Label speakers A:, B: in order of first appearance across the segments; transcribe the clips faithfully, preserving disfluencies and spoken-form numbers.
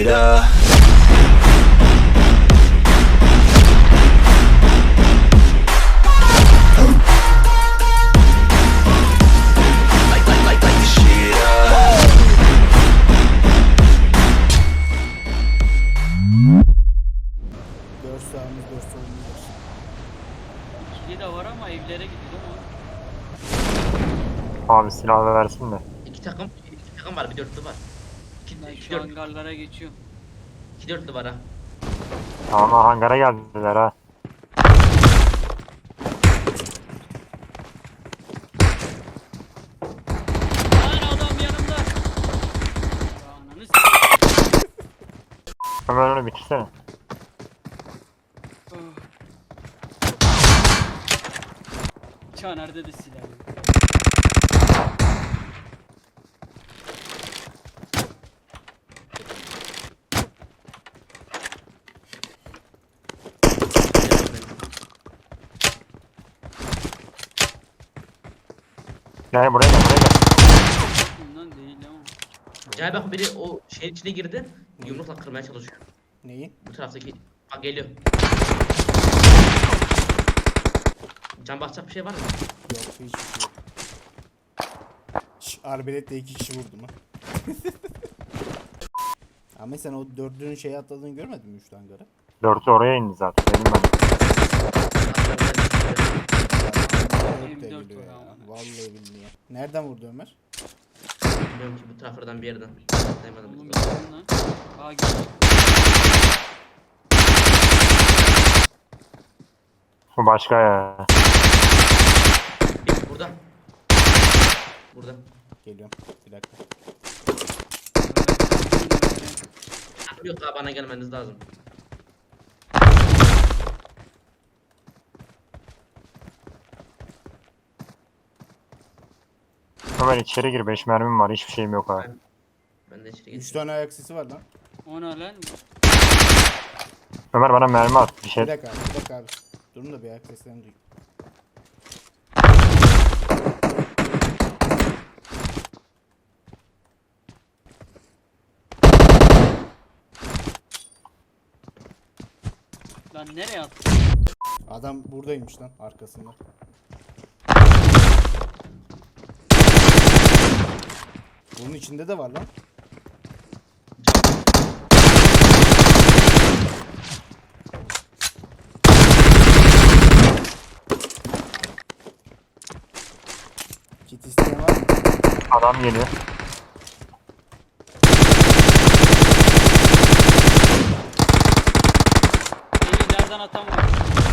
A: shit up. Like, like, like, like the shit up.
B: Dört sağımız, dört solumuz var.
C: İkili de var ama evlere gidiyor ama.
D: Abi silahı versin de.
E: İki takım, iki takım var, bir dörtlü var. İki,
C: Ben
E: iki,
C: şu
E: dört,
C: hangarlara geçiyorum.
E: iki dörtlü var ha.
D: Tamam hangara geldiler ha.
C: Lan adam yanımda. Ananı s***.
D: Ömer onu bitirsene.
C: Caner'de de silah yok.
D: Gel buraya gel buraya gel.
C: Bundan değil ama.
E: Cahil bak biri o şeyin içine girdi, yumrukla kırmaya çalışıyor.
B: Neyi?
E: Bu taraftaki, bak geliyor. Can basacak bir şey var mı?
B: Yok, hiçbir şey yok. Şş, arbeletle iki kişi vurdum ha. Ama sen o dördünün şeye atladığını görmedin mi üçlü hangara?
D: Dörtlü oraya indi zaten. Benim ben.
B: Dört de
C: M dört
B: geliyor
C: var
B: ya.
C: ama.
B: Vallahi billahi. Nereden vurdu Ömer?
E: Bilmiyorum ki bu taraflardan bir yerden. Dayamadım.
C: Oğlum gitsin lan. Aa gitti.
D: Bu başka ya.
E: Bir, burada. Burada.
B: Geliyorum. Bir dakika.
E: Yok daha bana gelmeniz lazım.
D: Ömer içeri gir. Beş mermim var. Hiçbir şeyim yok abi.
E: Ben de içeri
B: Üç
E: geçeyim.
B: tane ayak sesi var lan.
C: O ne lan?
D: Ömer bana mermi at. Bir
B: Bir
D: şey.
B: dakika abi, bir dakika abi. Durun da bir ayak seslerini duyayım.
C: Lan nereye attın?
B: Adam buradaymış lan arkasında. Bunun içinde de var lan. Kit isteyen var mı?
D: Adam geliyor.
C: Eli nereden atamıyor?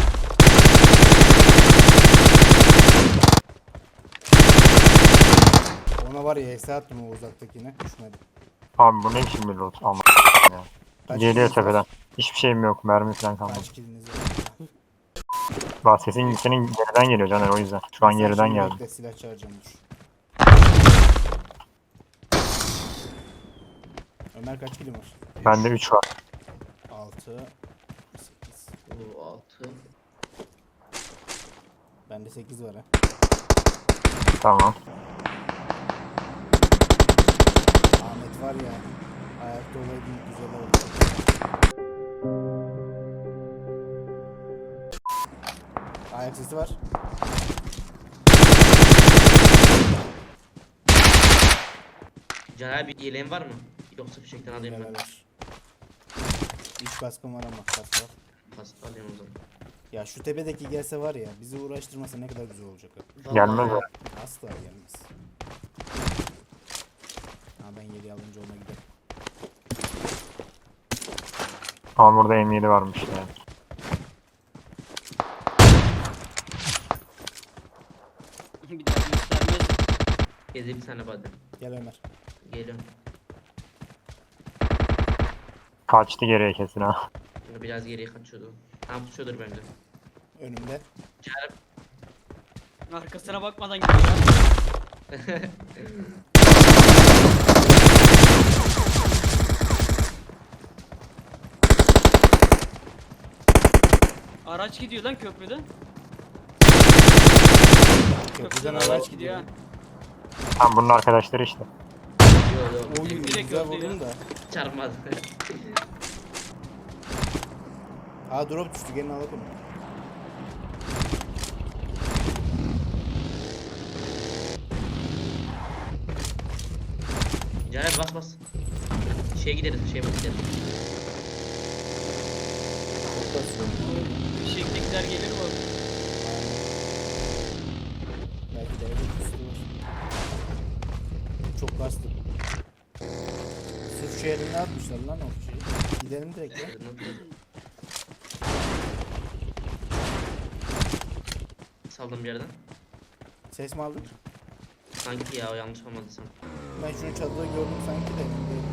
B: Ona var ya hesa attım o uzaktakine. Düşmedi.
D: Abi bu ne işin bir loot? Ama ya.
B: Kaç
D: Geliyor
B: kiliniz var?
D: tepeden. Hiçbir şeyim yok. Mermi falan kalmadı.
B: Kaç kiliniz var?
D: Bak sesin senin geriden geliyor Caner o yüzden. Şu an
B: Sen
D: geriden
B: şimdi
D: geldi.
B: bekle, silah çağıracağım dur. Ömer kaç kilin var?
D: Bende üç var.
B: altı, sekiz.
E: Bu altı.
B: Bende sekiz var ha.
D: Tamam.
B: Ahmet var ya. Ayakta olaydın güzel oldu. Ayak sesi var.
E: Caner bir yeleğin var mı? Yoksa fişekten alayım ben.
B: Beraber. üç kaskım var ama kask var.
E: Pas alayım o zaman.
B: Ya şu tepedeki gelse var ya bizi uğraştırmasa ne kadar güzel olacak. ha.
E: Vallahi
D: Gelmez
E: ya.
D: o.
B: Asla gelmez. Ha ben yedi alınca ona giderim.
D: Ama burada M yedi varmış yani.
C: Bir daha göstermez.
E: Gezi bir tane body.
B: Gel Ömer.
E: Geliyorum.
D: Kaçtı geriye kesin ha.
E: Şimdi biraz geriye kaçıyordu. Tam tutuyordur bence.
B: Önümde.
E: Caner
C: Arkasına bakmadan gidiyor. Araç gidiyor lan köprüden.
B: Köprüden
C: araç
B: araç
C: gidiyor.
B: gidiyor.
C: ha.
D: Tam bunun arkadaşları işte.
E: Yo yo.
B: Oy
C: Direkt
B: güzel
C: öldü ya.
B: vurdum da.
E: Çarpmadı.
B: Aa drop düştü, gelin alalım.
E: Caner bas bas. Şeye gideriz, şeye gideriz.
C: Fişeklikler gelir mi?
B: Belki de evet üstü var. Çok bastı. Suç şehrine atmışlar lan o şeyi. Gidelim direkt ya.
E: Saldım bir yerden.
B: Ses mi aldın?
E: Sanki ya o yanlış olmadıysam.
B: Ben şunu çatıda gördüm sanki de emin değilim.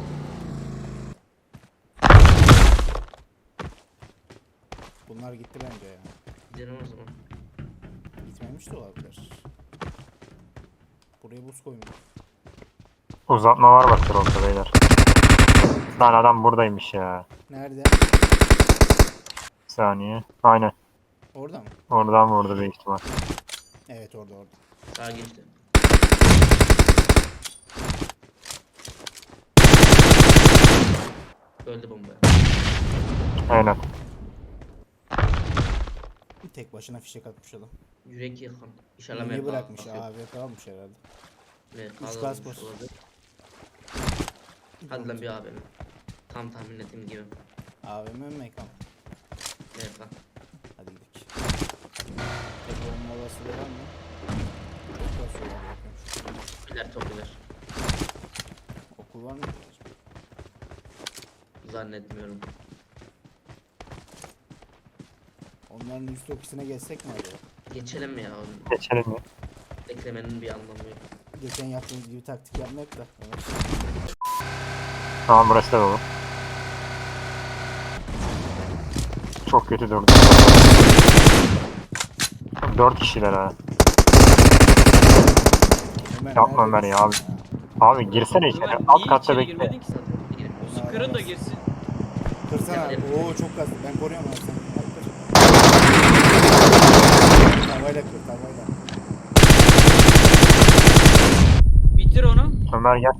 B: Bunlar gitti bence ya.
E: Gidelim o zaman.
B: Gitmemiş de olabilir. Buraya buz koymuş.
D: Uzatma var bak dropta beyler. Lan adam buradaymış ya.
B: Nerede?
D: Bir saniye. Aynen.
B: Orada mı?
D: Oradan vurdu büyük ihtimal.
B: Evet orada orada.
E: Sağa geçti. Öldü bomba.
D: Aynen.
B: Bir tek başına fişek atmış adam.
E: Yürek yakın. İnşallah
B: Niye
E: M K
B: bırakmış?
E: atıyor.
B: A W P almış herhalde.
E: M K
B: Üç
E: almış
B: gaz bas.
E: olabilir. Hadi lan bir abi. Tam tahmin ettiğim gibi.
B: A V M mi mekan?
E: M K.
B: Hadi gidelim. Tek olma olasılığı var mı? Çok basıyor ya. bakıyorum.
E: Biler çok biler.
B: Okul var mı?
E: Zannetmiyorum.
B: Onların üst ofisine geçsek mi acaba?
E: Geçelim mi ya onu?
D: Geçelim ya.
E: Beklemenin bir anlamı yok.
B: Geçen yaptığımız gibi taktik yapmak da. Evet.
D: Tamam burası da dolu. Çok kötü durdu. Dört kişiler ha.
B: Ömer,
D: Yapma
B: nerede
D: Ömer ya
B: misin
D: abi. Abi girsene içeri.
C: Ömer,
D: Alt
C: niye
D: katta
C: içeri
D: bekle.
C: girmedin ki sen?
E: Girip
C: Su kırın da girsin.
B: Kırsana abi. Oo çok kastı. Ben koruyorum abi sen. Hadi kır. Tavayla kır tavayla.
C: Bitir onu.
D: Ömer gel.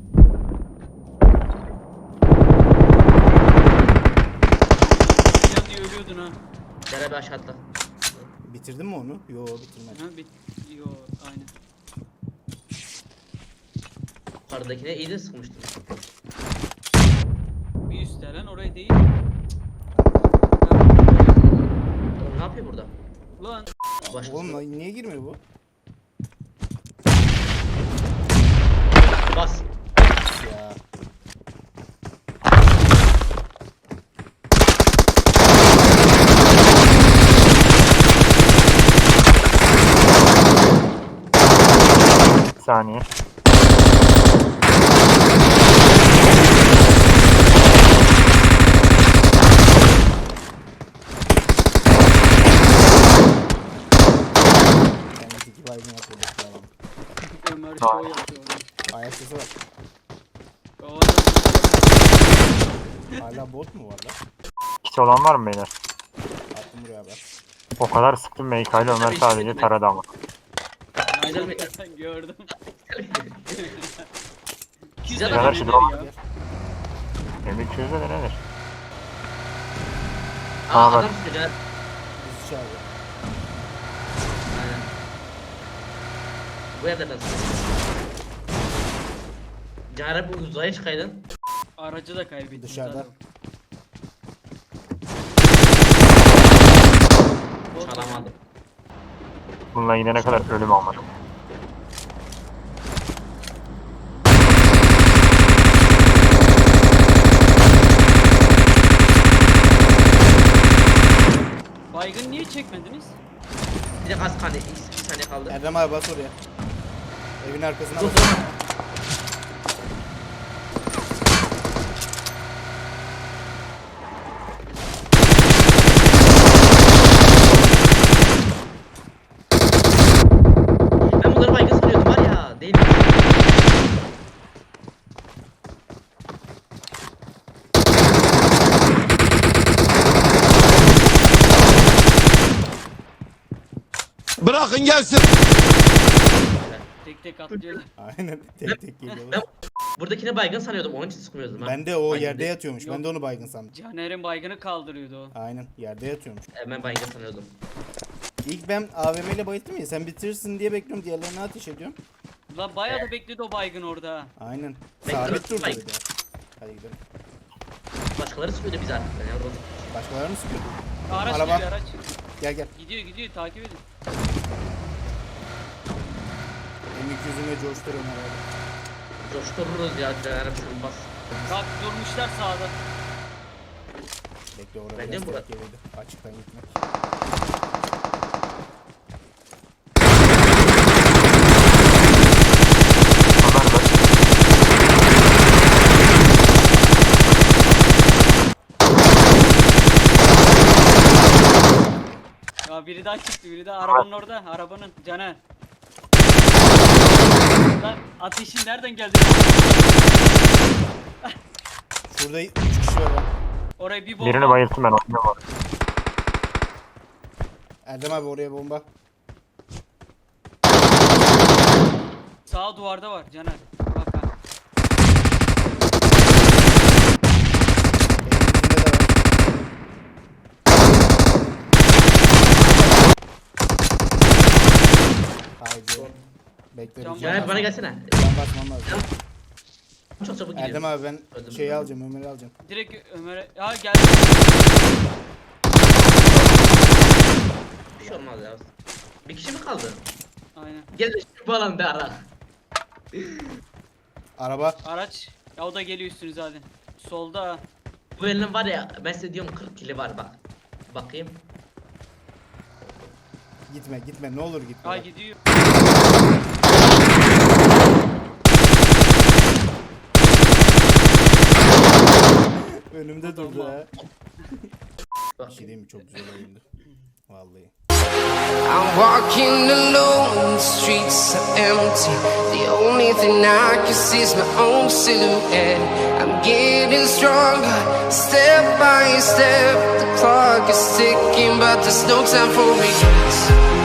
C: Can diye ölüyordun ha.
E: Beraber aşağı atla.
B: Bitirdin mi onu? Yo bitirmedim.
C: Ha bit. Yo aynen.
E: Yukarıdakine iyi de sıkmıştım.
C: Bir üstte lan orayı değil.
E: Oğlum ne yapıyor burada?
C: Lan
E: Başkası.
B: Oğlum lan niye girmiyor bu?
E: Bas.
B: Ya.
D: Bir saniye.
B: Kendisi iki baygın yapıyor. Tamam.
C: Ömer şov yapıyor.
B: Ayak sesi var.
C: O adam-
B: Hala bot mu var lan?
D: Kişi olan var mı beyler?
B: Attım buraya bak.
D: O kadar sıktım M K ile Ömer sadece taradı ama.
C: Aynen
E: mi?
C: sen gördüm.
E: Güzel
D: Beyler şu drone.
C: ya.
D: M iki yüzde de nedir?
E: Aa
D: Aa, bak.
E: adam sıkıyor Caner.
B: Bizi çağırıyor.
E: Aynen. Bu evlerden sıkıyor. Caner bu uzaya çıkaydın.
C: Aracı da kaybettim.
B: Dışarıda.
C: zaten. Bot-
E: Çalamadım.
D: Bununla gidene kadar ölüm almadım.
C: Baygın niye çekmediniz?
E: Bir de az kaldı. Bir saniye kaldı.
B: Erdem abi bas oraya. Evin arkasına
E: Dur
B: bas.
E: dur. Ben bunları baygın sanıyordum var ya. Değil.
F: Bırakın gelsin.
C: Tek tek atlıyorlar.
B: Aynen tek tek geliyorlar.
E: Buradakine baygın sanıyordum. Onun için sıkmıyordum. ha.
F: Ben de o
E: Baygın
F: yerde
E: değil.
F: yatıyormuş. Ben de onu baygın sandım.
C: Caner'in baygını kaldırıyordu o.
F: Aynen yerde yatıyormuş.
E: E, Ben baygın sanıyordum.
F: İlk ben A V M ile bayılttım ya, sen bitirirsin diye bekliyorum, diğerlerine ateş ediyorum.
C: Lan bayağı da bekledi o baygın orada ha.
F: Aynen.
E: Bekle,
F: Sabit durdu
E: baygın.
F: bir de. Hadi gidelim.
E: Başkaları sıkıyordu bizi artık. Yani orada.
F: Başkaları mı sıkıyor?
C: Araç
F: Araba.
C: geliyor araç.
F: Gel gel.
C: Gidiyor gidiyor takip edin.
F: M iki yüzüne coşturuyorum herhalde.
E: Coştururuz ya. Caner'im şunu bas.
C: Bak durmuşlar sağda.
F: Bekle oraya
E: Bence
F: biraz
E: bu-
F: tehlikeliydi. Açıktan gitmek.
D: Ömer bak.
C: Ya biri daha çıktı biri daha arabanın orada arabanın Caner. Lan ateşin nereden geldi?
F: Şurada üç kişi var.
C: Oraya bir bomba.
D: Birini bayılttım ben oynuyorum orada.
F: Erdem abi oraya bomba.
C: Sağ duvarda var Caner. Bak ha.
F: Elimizde de var. Haydi. Bekle
C: Can
F: bir
E: Caner
F: can
E: bana
F: basmam.
E: gelsene.
F: Can basmam lazım.
E: Çok çabuk gidiyor.
F: Erdem abi ben
E: Öldüm
F: şeyi
E: ben.
F: alacağım, Ömer'i alacağım.
C: Direkt Ömer'e. Ya geldi.
E: Bir şey olmaz ya. Bir kişi mi kaldı?
C: Aynen.
E: Gel de şu alanda ara.
F: Araba.
C: Araç. Ya o da geliyor üstünüze hadi. Solda ha.
E: Bu elinin var ya, ben size diyorum kırk kili var bak. Bakayım.
F: Gitme gitme ne olur gitme.
C: Ha
F: bak.
C: gidiyor.
F: Önümde durdu
C: Tamam.
F: ha.
E: Bak.
F: Bir şey değil mi, çok güzel oyundu. Vallahi.
G: I'm walking alone, the streets are empty. The only thing I can see is my own silhouette. I'm getting stronger, step by step. The clock is ticking, but there's no time for regrets.